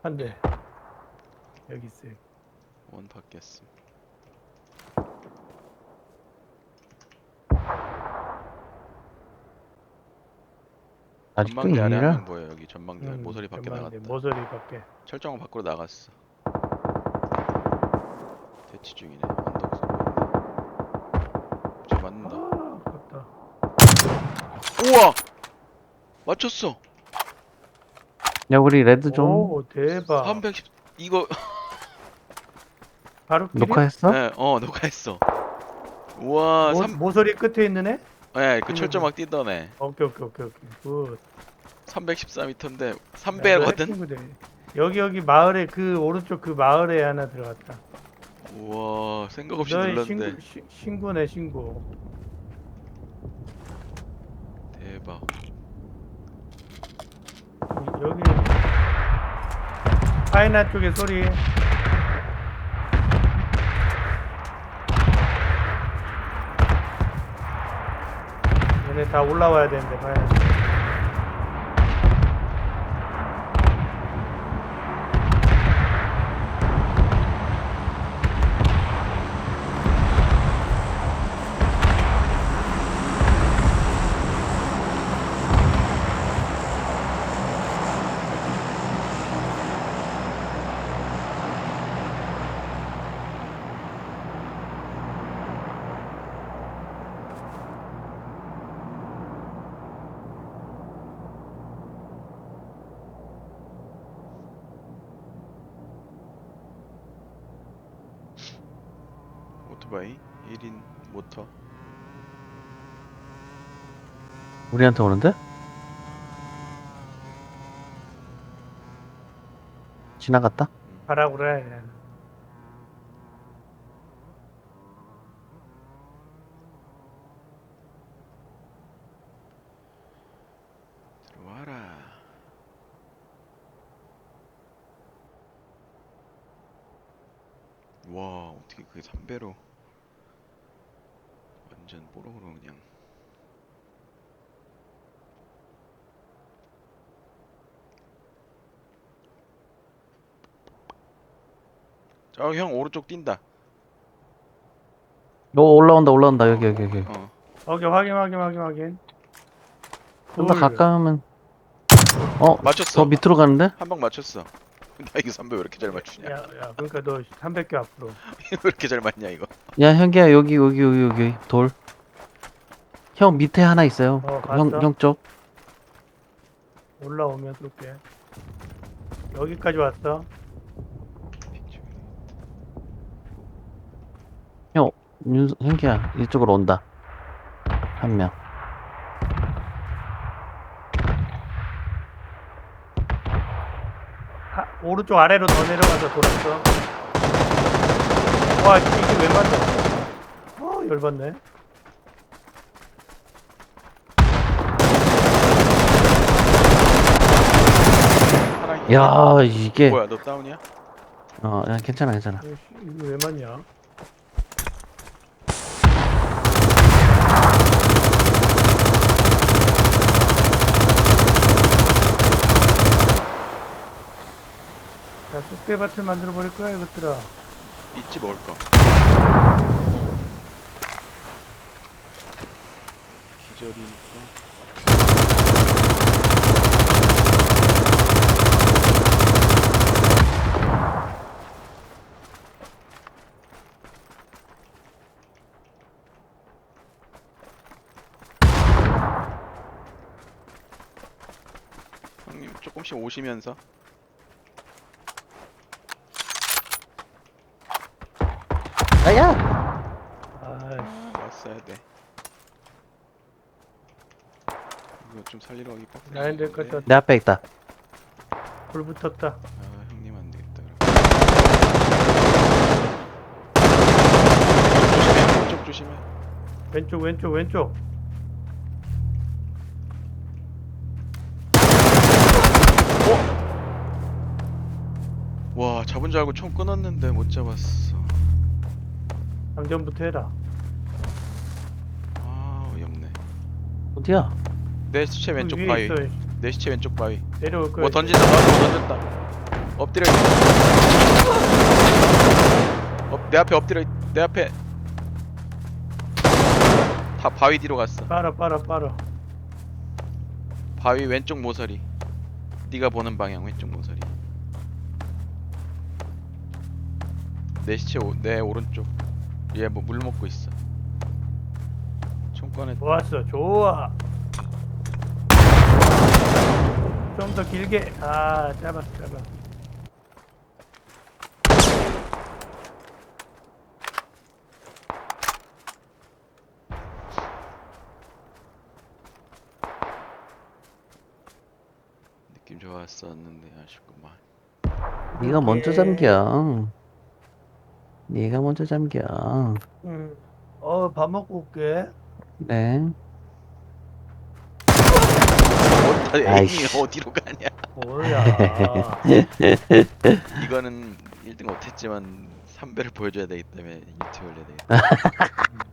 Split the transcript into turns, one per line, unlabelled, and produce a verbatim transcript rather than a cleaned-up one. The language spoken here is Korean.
한 대. 여기 있어요.
원 받겠음.
아직도
전망대 아래 한
이라
명 보여. 여기 전망대 아래. 모서리 밖에
전망대,
나갔다.
모서리 밖에.
철장 밖으로 나갔어. 대치 중이네. 언덕 쏘고 있네. 저 맞는다.
아, 아깝다.
우와! 맞췄어.
야 우리 레드 좀
오, 대박.
삼백십. 이거
바로 길이?
녹화했어?
네, 어 녹화했어. 우와.
모,
삼
모서리 끝에 있는 애?
네, 그 철조망 막 뛰던 애.
오케이, 오케이, 오케이, 오케이. 굿.
삼백십사 미터인데
야, 너
삼배거든.
해킹부대. 여기, 여기 마을에, 그 오른쪽 그 마을에 하나 들어갔다.
우와, 생각 없이
너의
눌렀는데
신고, 시, 신고네, 신고.
대박.
여기 파이나 쪽에 소리. 얘네 다 올라와야 되는데 파이나 쪽.
오토바이 일 인 모터.
우리한테 오는데? 지나갔다?
가라고 그래.
들어와라. 와, 어떻게 그게 삼배로 완전 뽀록으로 그냥. 저 형 오른쪽 뛴다.
오 올라온다 올라온다 여기 여기 여기
어.
오케이, 확인, 확인, 확인, 확인.
좀 더
굴.
가까우면 어?
맞췄어.
더 밑으로 가는데?
한 방 맞췄어. 나 이거 삼배 왜 이렇게 잘 맞추냐?
야, 야, 그러니까 너 삼백 개 앞으로.
왜 이렇게 잘 맞냐 이거?
야 현기야 여기 여기 여기 여기 돌 형 밑에 하나 있어요
어,
형,
봤어?
형 쪽
올라오면 쏠게. 여기까지 왔어.
형 윤, 현기야 이쪽으로 온다 한명
하, 오른쪽 아래로 더 내려가서 돌았어. 와, 이게 왜 맞아? 어, 열받네.
사랑이.
야 이게
뭐야, 너 다운이야?
어 야, 괜찮아 괜찮아
이거 씨, 이거 왜 맞냐? 야, 쑥대밭을 만들어 버릴 거야, 이것들아.
있지 먹을 거. 기절이니까. 형님 조금씩 오시면서.
아야
아,
왔어야 돼. 이거 좀 살리러 가기 빡세.
나야 될 것 같다.
내 앞에 있다
불 붙었다.
아, 형님 안 되겠다. 그럼. 조심해. 왼쪽 조심해.
왼쪽, 왼쪽, 왼쪽.
와, 잡은 줄 알고 총 끊었는데 못 잡았어.
장전부터 해라.
아, 어이없네.
어디야?
내 시체 왼쪽
그 위에
바위.
있어.
내 시체 왼쪽 바위.
내려올 거야.
뭐 던진다. 뭐 던졌다. 엎드려 있... 어, 내 앞에 엎드려 있... 내 앞에 다 바위 뒤로 갔어.
빨아 빨아 빨아.
바위 왼쪽 모서리. 네가 보는 방향 왼쪽 모서리. 내 시체 오, 내 오른쪽. 얘 뭐 물 먹고 있어. 총 꺼내.
좋았어 좋아. 좀 더 길게. 아 짧았어 짧았어.
느낌 좋았었는데 아쉽구만.
네가 먼저
이렇게.
잠겨. 네가 먼저 잠겨.
응. 어밥 먹고 올게.
네.
어디다 에임이
아이씨.
어디로 가냐?
뭐야.
이거는 일 등 못했지만 삼 배를 보여줘야 되기 때문에 유튜브 올려야 되겠다.